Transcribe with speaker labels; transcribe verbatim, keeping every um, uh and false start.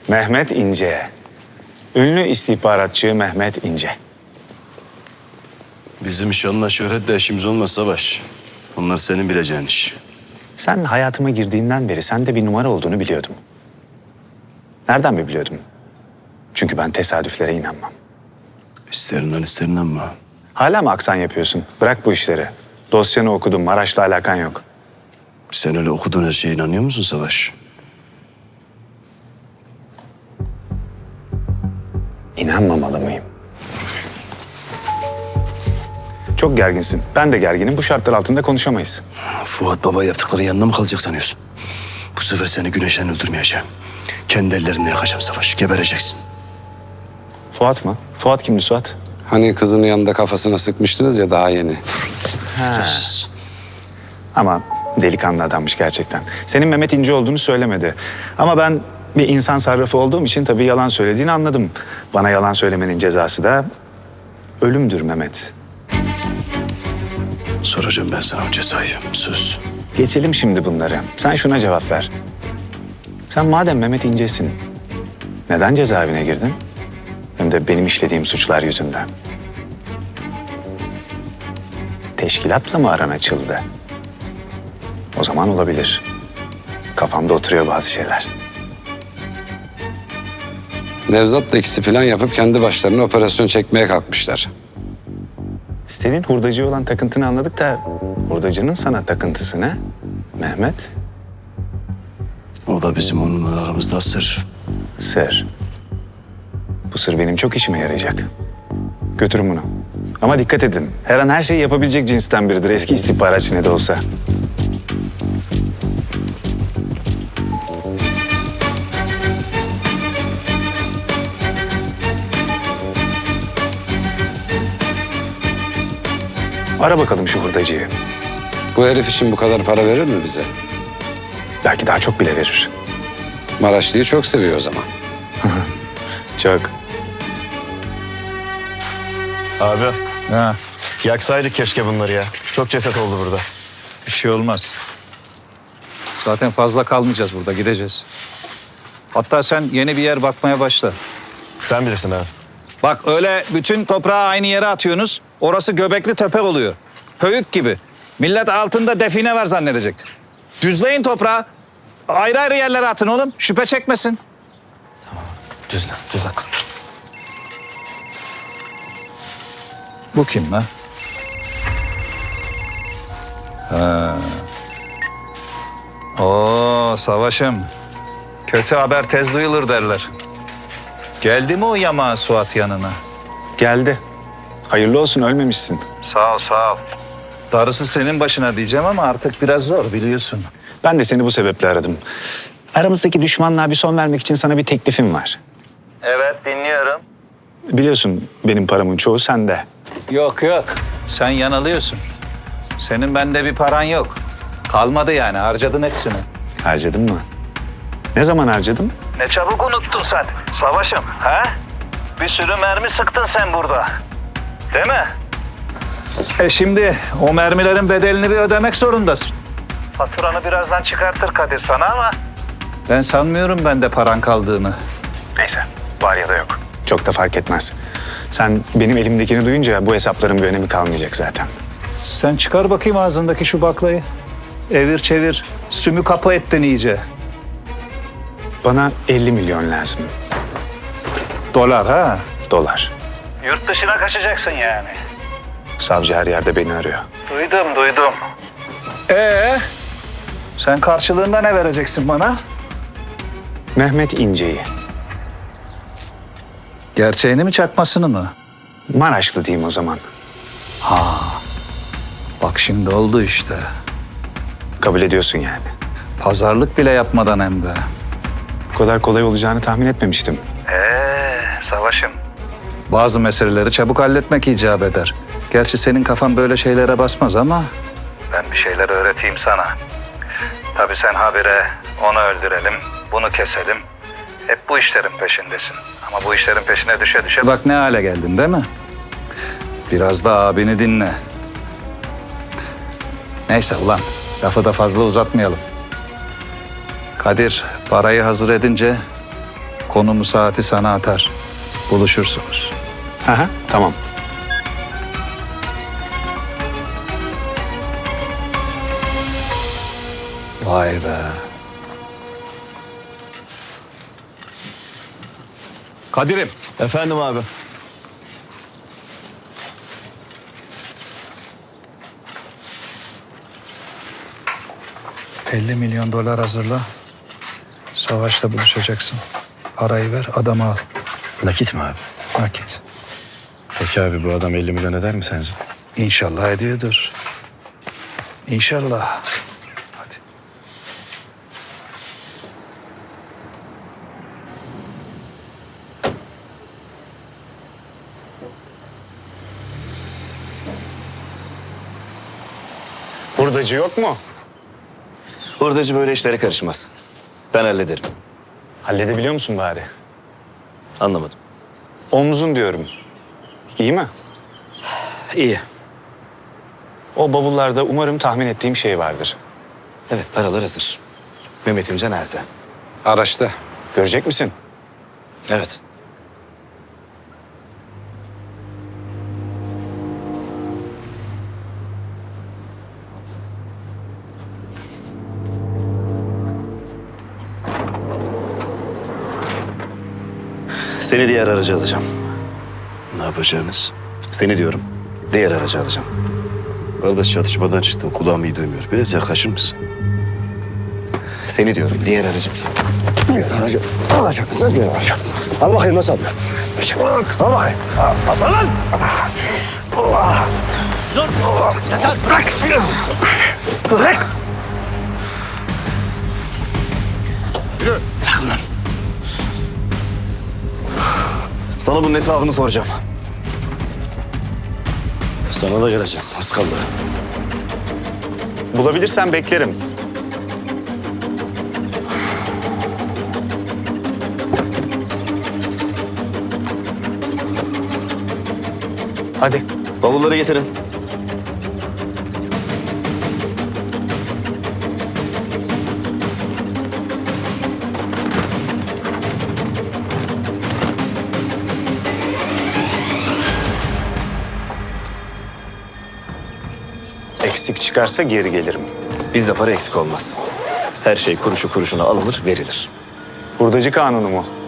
Speaker 1: Mehmet İnce. Ünlü istihbaratçı Mehmet İnce.
Speaker 2: Bizim şanla şöhretle işimiz olmaz Savaş. Onlar senin bileceğin iş.
Speaker 1: Sen hayatıma girdiğinden beri sende bir numara olduğunu biliyordum. Nereden mi biliyordum? Çünkü ben tesadüflere inanmam.
Speaker 2: İsterinden isterinden ama.
Speaker 1: Hala mı aksan yapıyorsun? Bırak bu işleri. Dosyanı okudum, Maraş'la alakan yok.
Speaker 2: Sen öyle okuduğun her şeye inanıyor musun Savaş?
Speaker 1: İnanmamalı mıyım? Çok gerginsin. Ben de gerginim. Bu şartlar altında konuşamayız.
Speaker 2: Fuat Baba yaptıkları yanına mı kalacak sanıyorsun? Bu sefer seni güneşten öldürmeyeceğim. Kendi ellerimle yakacağım Savaş. Gebereceksin.
Speaker 1: Fuat mı? Fuat kimdi Suat?
Speaker 3: Hani kızının yanında kafasına sıkmıştınız ya daha yeni.
Speaker 2: Şerefsiz.
Speaker 1: Ama delikanlı adammış gerçekten. Senin Mehmet İnce olduğunu söylemedi. Ama ben bir insan sarrafı olduğum için tabii yalan söylediğini anladım. Bana yalan söylemenin cezası da ölümdür Mehmet.
Speaker 2: Soracağım ben sana o cezayı. Söz.
Speaker 1: Geçelim şimdi bunları. Sen şuna cevap ver. Sen madem Mehmet İnce'sin, neden cezaevine girdin? Hem de benim işlediğim suçlar yüzünden. Teşkilatla mı aran açıldı? O zaman olabilir. Kafamda oturuyor bazı şeyler.
Speaker 3: Nevzat'la ikisi plan yapıp kendi başlarına operasyon çekmeye kalkmışlar.
Speaker 1: Senin hurdacıya olan takıntını anladık da hurdacının sana takıntısı ne? Mehmet?
Speaker 2: O da bizim onunla aramızda sır.
Speaker 1: Sır. Bu sır benim çok işime yarayacak. Götürün bunu. Ama dikkat edin. Her an her şeyi yapabilecek cinsten biridir. Eski istihbaratçı ne de olsa. Ara bakalım şu hurdacıyı.
Speaker 3: Bu herif için bu kadar para verir mi bize?
Speaker 1: Belki daha çok bile verir.
Speaker 3: Maraşlı'yı çok seviyor o zaman.
Speaker 1: Çok.
Speaker 4: Abi
Speaker 5: Ha,
Speaker 4: yaksaydık keşke bunları ya. Çok ceset oldu burada.
Speaker 5: bir şey olmaz. Zaten fazla kalmayacağız burada, gideceğiz. Hatta sen yeni bir yer bakmaya başla.
Speaker 4: Sen bilirsin abi.
Speaker 5: Bak öyle bütün toprağı aynı yere atıyorsunuz. Orası Göbekli Tepe oluyor. Höyük gibi. Millet altında define var zannedecek. Düzleyin toprağı. Ayrı ayrı yerlere atın oğlum. Şüphe çekmesin.
Speaker 4: Düzlen, düzelt.
Speaker 5: Bu kim lan? Ha. Oo Savaş'ım. Kötü haber tez duyulur derler. Geldi mi o yamağı Suat yanına?
Speaker 1: Geldi. Hayırlı olsun, ölmemişsin.
Speaker 5: Sağ ol, sağ ol. Darısı senin başına diyeceğim ama artık biraz zor biliyorsun.
Speaker 1: Ben de seni bu sebeple aradım. Aramızdaki düşmanlığa bir son vermek için sana bir teklifim var.
Speaker 5: Evet, dinliyorum.
Speaker 1: Biliyorsun benim paramın çoğu sende.
Speaker 5: Yok yok, sen yanılıyorsun. Senin bende bir paran yok. Kalmadı yani, harcadın hepsini.
Speaker 1: Harcadın mı? Ne zaman harcadım?
Speaker 5: Ne çabuk unuttun sen, Savaş'ım, ha? Bir sürü mermi sıktın sen burada. Değil mi? E şimdi o mermilerin bedelini bir ödemek zorundasın. Faturanı birazdan çıkartır Kadir sana ama... Ben sanmıyorum bende paran kaldığını.
Speaker 1: Neyse, var ya da yok. Çok da fark etmez. Sen benim elimdekini duyunca bu hesapların bir önemi kalmayacak zaten.
Speaker 5: Sen çıkar bakayım ağzındaki şu baklayı. Evir çevir, sümü kapı ettin iyice.
Speaker 1: Bana elli milyon lazım.
Speaker 5: Dolar ha?
Speaker 1: Dolar.
Speaker 5: Yurt dışına kaçacaksın yani.
Speaker 1: Savcı her yerde beni arıyor.
Speaker 5: Duydum, duydum. Ee, sen karşılığında ne vereceksin bana?
Speaker 1: Mehmet İnce'yi.
Speaker 5: Gerçeğini mi çakmasını mı?
Speaker 1: Maraşlı diyeyim o zaman.
Speaker 5: Bak şimdi oldu işte.
Speaker 1: Kabul ediyorsun yani.
Speaker 5: Pazarlık bile yapmadan hem de.
Speaker 1: Bu kadar kolay olacağını tahmin etmemiştim.
Speaker 5: Ee, Savaş'ım. Bazı meseleleri çabuk halletmek icap eder. Gerçi senin kafan böyle şeylere basmaz ama... Ben bir şeyler öğreteyim sana. Tabii sen habire onu öldürelim, bunu keselim. Hep bu işlerin peşindesin. Ama bu işlerin peşine düşe düşe... Bak ne hale geldin değil mi? Biraz da abini dinle. Neyse ulan, lafı da fazla uzatmayalım. Kadir parayı hazır edince Konumu saati sana atar. Buluşursunuz.
Speaker 1: Aha, tamam.
Speaker 2: Vay be.
Speaker 3: Kadir'im.
Speaker 4: Efendim abi.
Speaker 5: elli milyon dolar hazırla. Savaşta buluşacaksın. Parayı ver, adamı al.
Speaker 4: Nakit mi abi?
Speaker 5: Nakit.
Speaker 4: Peki abi bu adam elli milyon eder mi sence?
Speaker 5: İnşallah ediyordur. İnşallah. Hadi.
Speaker 1: Hurdacı yok mu?
Speaker 4: Hurdacı böyle işlere karışmaz. Ben hallederim.
Speaker 1: Halledebiliyor musun bari?
Speaker 4: Anlamadım.
Speaker 1: Omzun diyorum. İyi mi?
Speaker 4: İyi.
Speaker 1: O bavullarda umarım tahmin ettiğim şey vardır.
Speaker 4: Evet paralar hazır. Mehmet İmce nerede?
Speaker 3: Araçta.
Speaker 1: Görecek misin?
Speaker 4: Evet. Seni diğer araca alacağım.
Speaker 2: Ne yapacağınız?
Speaker 4: Seni diyorum. Diğer aracı alacağım.
Speaker 2: Kardeş çatışmadan çıktım. Kulağım iyi duymuyor. Biraz yaklaşır mısın?
Speaker 4: Seni diyorum. Diğer aracı.
Speaker 2: Diğer aracı alacağım. Sen diğer aracı. Al bakayım nasıl alıyor? Al bakayım. Aslan lan!
Speaker 4: Sana bunun hesabını soracağım.
Speaker 2: Sana da geleceğim. Az kaldı.
Speaker 1: Bulabilirsen beklerim. Hadi.
Speaker 4: Bavulları getirin.
Speaker 1: Eksik çıkarsa geri gelirim.
Speaker 4: Bizde para eksik olmaz. Her şey kuruşu kuruşuna alınır, verilir.
Speaker 1: Hurdacı kanunu mu?